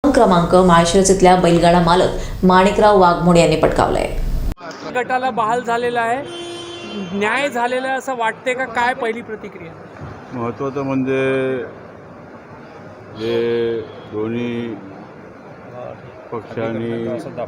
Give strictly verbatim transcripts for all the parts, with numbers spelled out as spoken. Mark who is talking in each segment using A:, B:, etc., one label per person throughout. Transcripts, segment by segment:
A: क्रमांक माळशिरस इथल्या बैलगाडा मालक माणिकराव वाघमोडे यांनी पटकावलाय।
B: गटाला बहाल झालेला आहे, न्याय झालेला आहे असं वाटते का? काय पहिली प्रतिक्रिया?
C: महत्त्वाचं म्हणजे जे दोन्ही पक्षांनी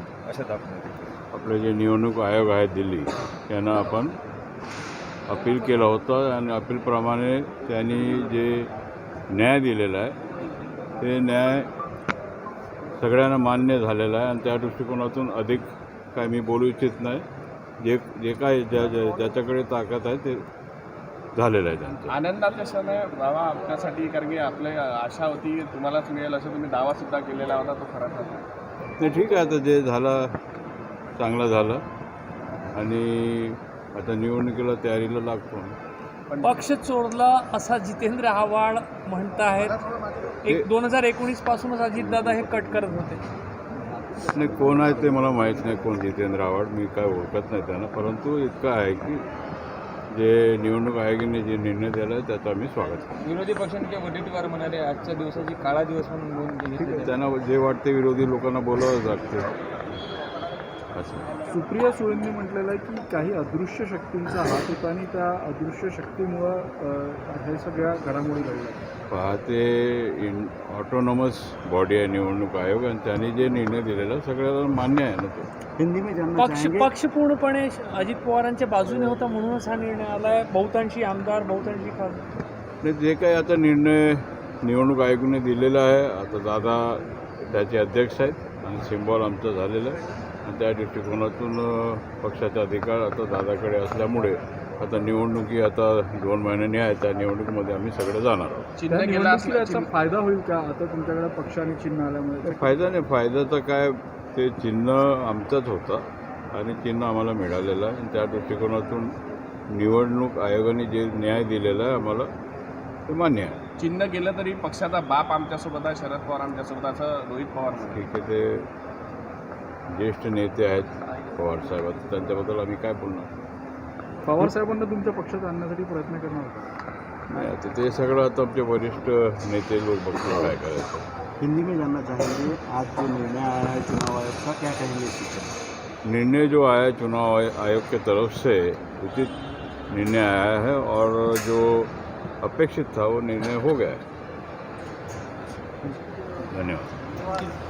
C: आपले जे निवडणूक आयोग आहे दिल्ली त्यांना आपण अपील केलं होतं आणि अपीलप्रमाणे त्यांनी जे न्याय दिलेला आहे ते न्याय सगळ्यांना मान्य झालेला आहे आणि त्या दृष्टिकोनातून अधिक काय मी बोलू इच्छित नाही। जे जे काय ज्या ज्या ज्याच्याकडे ताकद आहे ते झालेलं आहे त्यांचं।
D: आनंदाचा क्षण आहे बाबा आपल्यासाठी, कारण की आपली आशा होती की तुम्हालाच मिळेल असं तुम्ही दावासुद्धा केलेला होता, तो खरा ठरला।
C: नाही ठीक आहे, आता जे झालं चांगलं झालं आणि आता निवडणुकीला तयारीला लागतो।
B: पक्ष चोरला असा जितेंद्र आव्हाड म्हणत आहेत। एक दोन हजार एकोणीस पासूनच अजितदादा हे कट करत होते।
C: नाही, कोण आहे ते मला माहीत नाही, कोण जितेंद्र आव्हाड, मी काय ओळखत नाही त्यांना, परंतु इतकं आहे की जे निवडणूक आयोगाने जे निर्णय दिला आहे त्याचं आम्ही स्वागत करतो।
D: विरोधी पक्षांच्या वटीटीवर म्हणाले आजच्या दिवसाची काळा दिवस म्हणून नोंद
C: ठीक आहे,
D: घेतली।
C: त्यांना जे वाटते विरोधी लोकांना बोलावं लागते असं।
E: सुप्रिया सुळेंनी म्हटलेलं आहे की काही अदृश्य शक्तींचा हात होता आणि त्या अदृश्य शक्तीमुळं हे सगळ्या घडामोडी घडल्या।
C: पाहते इन ऑटोनॉमस बॉडी आहे निवडणूक आयोग आणि त्यांनी जे निर्णय दिलेला सगळ्याला मान्य आहे ना तो।
E: हिंदी में जानना
B: पक्ष पक्ष पूर्णपणे अजित पवारांच्या बाजूने होता म्हणूनच हा निर्णय आलाय। बहुतांशी आमदार, बहुतांशी खासदार,
C: नाही जे काही आता निर्णय निवडणूक आयोगाने दिलेला आहे, आता दादा त्याचे अध्यक्ष आहेत आणि सिम्बॉल आमचं झालेलं आहे आणि त्या दृष्टिकोनातून पक्षाचा अधिकार आता दादाकडे असल्यामुळे आता निवडणुकी आता दोन महिन्यांनी आहे, त्या निवडणुकीमध्ये आम्ही सगळे जाणार आहोत।
E: चिन्ह गेला याचा फायदा होईल का आता तुमच्याकडे पक्ष आणि चिन्ह आल्यामुळे?
C: फायदा नाही, फायदा तर काय, ते चिन्ह आमचंच होतं आणि चिन्ह आम्हाला मिळालेलं आहे आणि त्या दृष्टिकोनातून निवडणूक आयोगाने जे न्याय दिलेला आहे आम्हाला ते मान्य आहे।
D: चिन्ह गेलं तरी पक्षाचा बाप आमच्यासोबत आहे, शरद पवार आमच्यासोबत, असं रोहित पवार म्हणाले।
C: ठीक आहे, ते ज्येष्ठ नेते आहेत पवारसाहेब, त्यांच्याबद्दल आम्ही काय बोलणार?
E: पवारसाहेबांना तुमच्या पक्षात आणण्यासाठी प्रयत्न करणार होता?
C: नाही, आता ते सगळं आता आमचे वरिष्ठ नेते लोक बघतील काय करायचं।
E: हिंदी में जानना चाहेंगे आज जो निर्णय आया है चुनाव आयोग का, क्या कहेंगे इस पर?
C: निर्णय जो आया चुनाव आयोग के तरफ से उचित निर्णय आया है और जो अपेक्षित था वो निर्णय हो गया है। धन्यवाद।